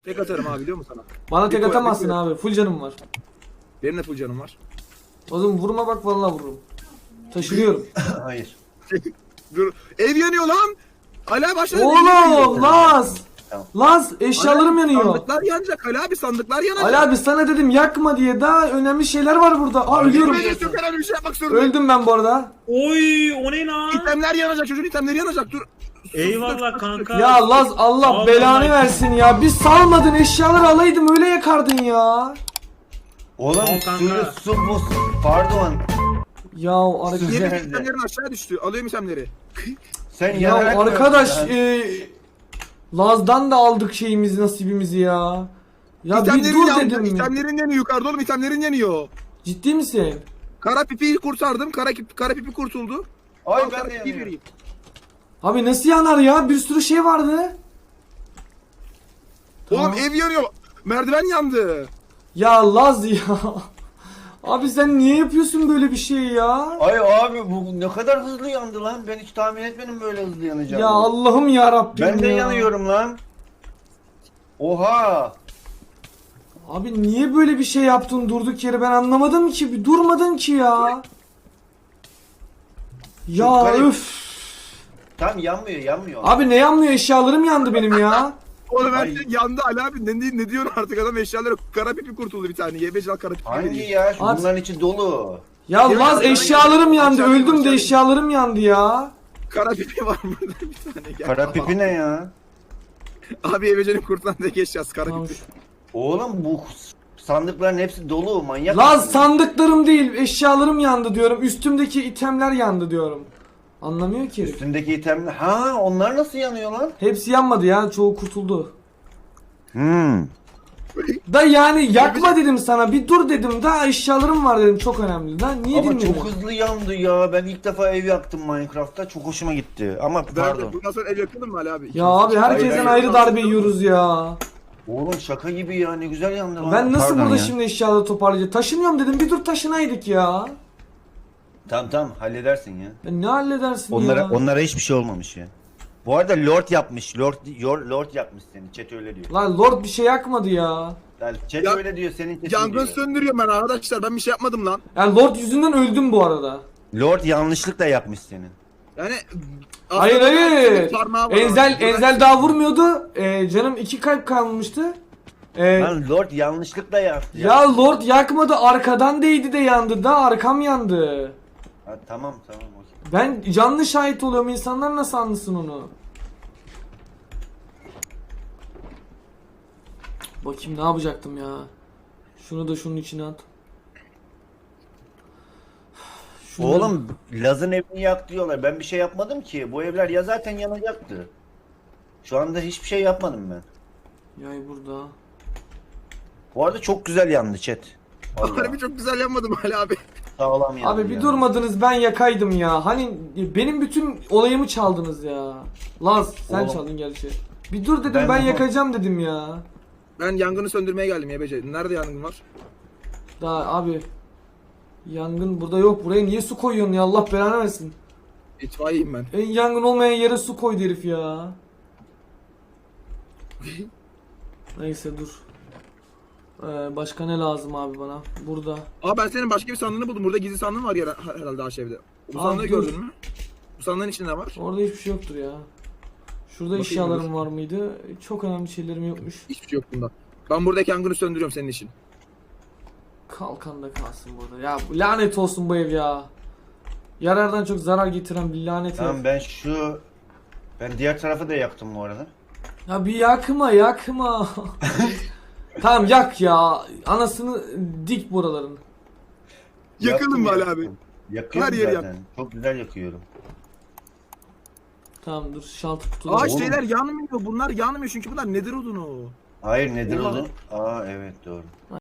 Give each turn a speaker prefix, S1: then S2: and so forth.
S1: Tek atarım abi, biliyor musun sana?
S2: Bana tek
S1: Bir koy-
S2: atamazsın
S1: bir koy-
S2: abi. Full canım var.
S1: Benim de full canım var.
S2: O zaman vurma bak, vallahi vururum. Taşınıyorum.
S3: Hayır.
S1: Dur. Ev yanıyor lan. Hala başladı.
S2: Oğlum Laz.
S3: Tamam.
S2: Laz eşyalarım yanıyor.
S1: Sandıklar yanacak. Ali abi sandıklar yanacak.
S2: Ali abi sana dedim yakma diye, daha önemli şeyler var burada. Aa ölüyorum.
S1: Ölüyorum. Çok önemli bir şey yapmak zorundayım.
S2: Öldüm ben bu arada.
S4: Oy o ne lan?
S1: İtemler yanacak, çocuğun itemleri yanacak. Dur.
S4: Eyvallah kanka.
S2: Ya Laz Allah
S4: Allah
S2: belanı
S4: Allah.
S2: versin ya. Bir salmadın, eşyaları alaydım öyle yakardın ya.
S3: Oğlum
S4: Al kanka.
S3: su buz. Pardon.
S2: Ya arkadaş.
S1: Yemin
S3: Nerede?
S1: itemlerin aşağı düştü. Alıyorum itemleri.
S3: Sen
S2: Ya
S3: yanarak mı
S2: arkadaş
S3: öldün
S2: Laz'dan da aldık şeyimizi, nasibimizi ya. Ya bir
S1: İtemlerin
S2: dur
S1: yanacak.
S2: dedim.
S1: İtemlerin yanıyor yukarıda oğlum, itemlerin yanıyor.
S2: Ciddi misin?
S1: Kara pipiyi kurtardım. Kara pipi kurtuldu.
S3: Ay
S1: Al,
S3: ben
S1: kara
S3: de
S1: pipiyi
S3: yanıyorum.
S1: vereyim.
S2: Abi nasıl yanar ya? Bir sürü şey vardı.
S1: Oğlum
S2: Tamam.
S1: ev yanıyor. Merdiven yandı.
S2: Ya Laz ya. Abi sen niye yapıyorsun böyle bir şey ya?
S3: Ay abi bu ne kadar hızlı yandı lan. Ben hiç tahmin etmedim böyle hızlı yanacağını.
S2: Ya Allah'ım ya Rabbim
S3: Ben de
S2: ya.
S3: yanıyorum lan. Oha.
S2: Abi niye böyle bir şey yaptın durduk yere, ben anlamadım ki. Bir durmadın ki ya. Ya
S3: Çok garip.
S2: öf.
S3: Tam yanmıyor.
S2: Abi ne yanmıyor, eşyalarım yandı benim ya.
S1: Oğlum her
S3: Ay.
S1: şey yandı Ali abi. Ne diyorsun artık, adam eşyaları, kara pipi kurtuldu bir tane. YBC al kara pipi
S3: Hangi
S1: vereyim.
S3: ya?
S2: At.
S3: Bunların içi dolu.
S2: Ya
S1: Yemin
S2: Laz
S1: ederim
S2: eşyalarım yandı,
S1: aşağı-
S2: öldüm de
S1: aşağı-
S2: eşyalarım yandı ya.
S1: Kara pipi var burada bir tane. Gel.
S3: Kara pipi ne ya?
S1: Abi YBC'nin kurtulan tek eşyası kara
S2: Tamam.
S1: pipi.
S3: Oğlum bu sandıkların hepsi dolu, manyak
S2: Laz
S3: mısın?
S2: sandıklarım değil, eşyalarım yandı diyorum. Üstümdeki itemler yandı diyorum. Anlamıyor ki herif.
S3: Üstündeki itemler. Ha, onlar nasıl yanıyor lan?
S2: Hepsi yanmadı ya, çoğu kurtuldu.
S3: Hmm.
S2: Da yani yakma dedim sana, bir dur dedim, daha eşyalarım var dedim, çok önemli. Da niye
S3: Ama
S2: dinlemiyorsun?
S3: çok hızlı yandı ya. Ben ilk defa ev yaktım Minecraft'ta. Çok hoşuma gitti. Ama pardon.
S1: Bundan sonra ev yakılır mı Ali abi?
S2: Ya abi herkesten
S3: Hayır,
S2: ayrı darbe yiyoruz ya.
S3: Oğlum şaka gibi ya. Ne güzel yandı lan.
S2: Ben nasıl
S3: Pardon
S2: burada
S3: ya.
S2: şimdi eşyaları toparlayacağım? Taşınıyorum dedim, bir dur taşınaydık ya.
S3: Tamam halledersin ya.
S2: Ya ne halledersin
S3: Onlara
S2: ya?
S3: onlara hiçbir şey olmamış ya. Bu arada Lord yapmış. Lord yapmış seni. Chat öyle diyor.
S2: Lan Lord bir şey yakmadı ya.
S3: Yani chat
S1: Ya-
S3: öyle diyor, senin chatin
S1: Yangın
S3: diyor.
S1: söndürüyorum ben arkadaşlar. Ben bir şey yapmadım lan.
S2: Yani Lord yüzünden öldüm bu arada.
S3: Lord yanlışlıkla yapmış seni.
S1: Yani
S2: Hayır
S1: aslında
S2: hayır.
S1: parmağı var
S2: Enzel
S1: orada.
S2: Enzel daha vurmuyordu. Canım 2 kalp kalmıştı.
S3: Lan Lord yanlışlıkla yaptı.
S2: Ya Lord yakmadı, arkadan değdi de yandı da, arkam yandı.
S3: Ha, tamam okey.
S2: Ben canlı şahit oluyorum, insanlar nasıl anlasın onu? Bakayım ne yapacaktım ya. Şunu da şunun içine at. Şunu-
S3: Oğlum Laz'ın evini yak diyorlar. Ben bir şey yapmadım ki. Bu evler ya zaten yanacaktı. Şu anda hiçbir şey yapmadım ben.
S2: Yay burada.
S3: Bu arada çok güzel yandı chat. Vallahi.
S1: Harbi çok güzel yanmadım Ali abi.
S3: Sağlam yandı.
S2: Abi bir
S3: yani.
S2: durmadınız, ben yakaydım ya. Hani benim bütün olayımı çaldınız ya. Laz sen
S3: Oğlum.
S2: çaldın gerçi. Bir dur dedim,
S3: Ben
S2: ben
S3: bunu-
S2: yakacağım dedim ya.
S1: Ben yangını söndürmeye geldim YBC. Nerede yangın var?
S2: Daha abi. Yangın burada yok. Buraya niye su koyuyorsun ya, Allah belanı versin.
S1: İtfaiyeyim ben.
S2: En yangın olmayan yere su koydu herif ya. Neyse dur. Başka ne lazım abi bana? Burada.
S1: Aa ben senin başka bir sandığını buldum. Burada gizli sandığın var ya herhalde aşağıda. Bu
S2: Aa,
S1: sandığı
S2: dur.
S1: gördün mü? Bu sandığın içinde ne var?
S2: Orada hiçbir şey yoktur ya. Şurada
S1: Bakayım
S2: eşyalarım var mıydı? Çok önemli şeylerim yokmuş.
S1: Hiçbir şey yok bunda. Ben buradaki yangını söndürüyorum senin için.
S2: Kalkan da kalsın burada. Ya lanet olsun bu ev ya. Yarardan çok zarar getiren bir lanet
S3: Tamam
S2: ev.
S3: ben diğer tarafı da yaktım bu arada.
S2: Ya bir yakma. Tamam yak ya. Anasını dik buraların.
S1: Yakalım mı Ali
S3: Yaktım.
S1: abi?
S3: Yakıyorum
S1: Her yeri
S3: zaten. Çok güzel yakıyorum.
S2: Tamam dur, şaltı kutuda.
S1: Aa
S3: Oğlum.
S1: şeyler yanmıyor. Bunlar yanmıyor çünkü bunlar nedir odunu?
S3: Hayır nedir
S1: Oha.
S3: oldu? Aa evet doğru.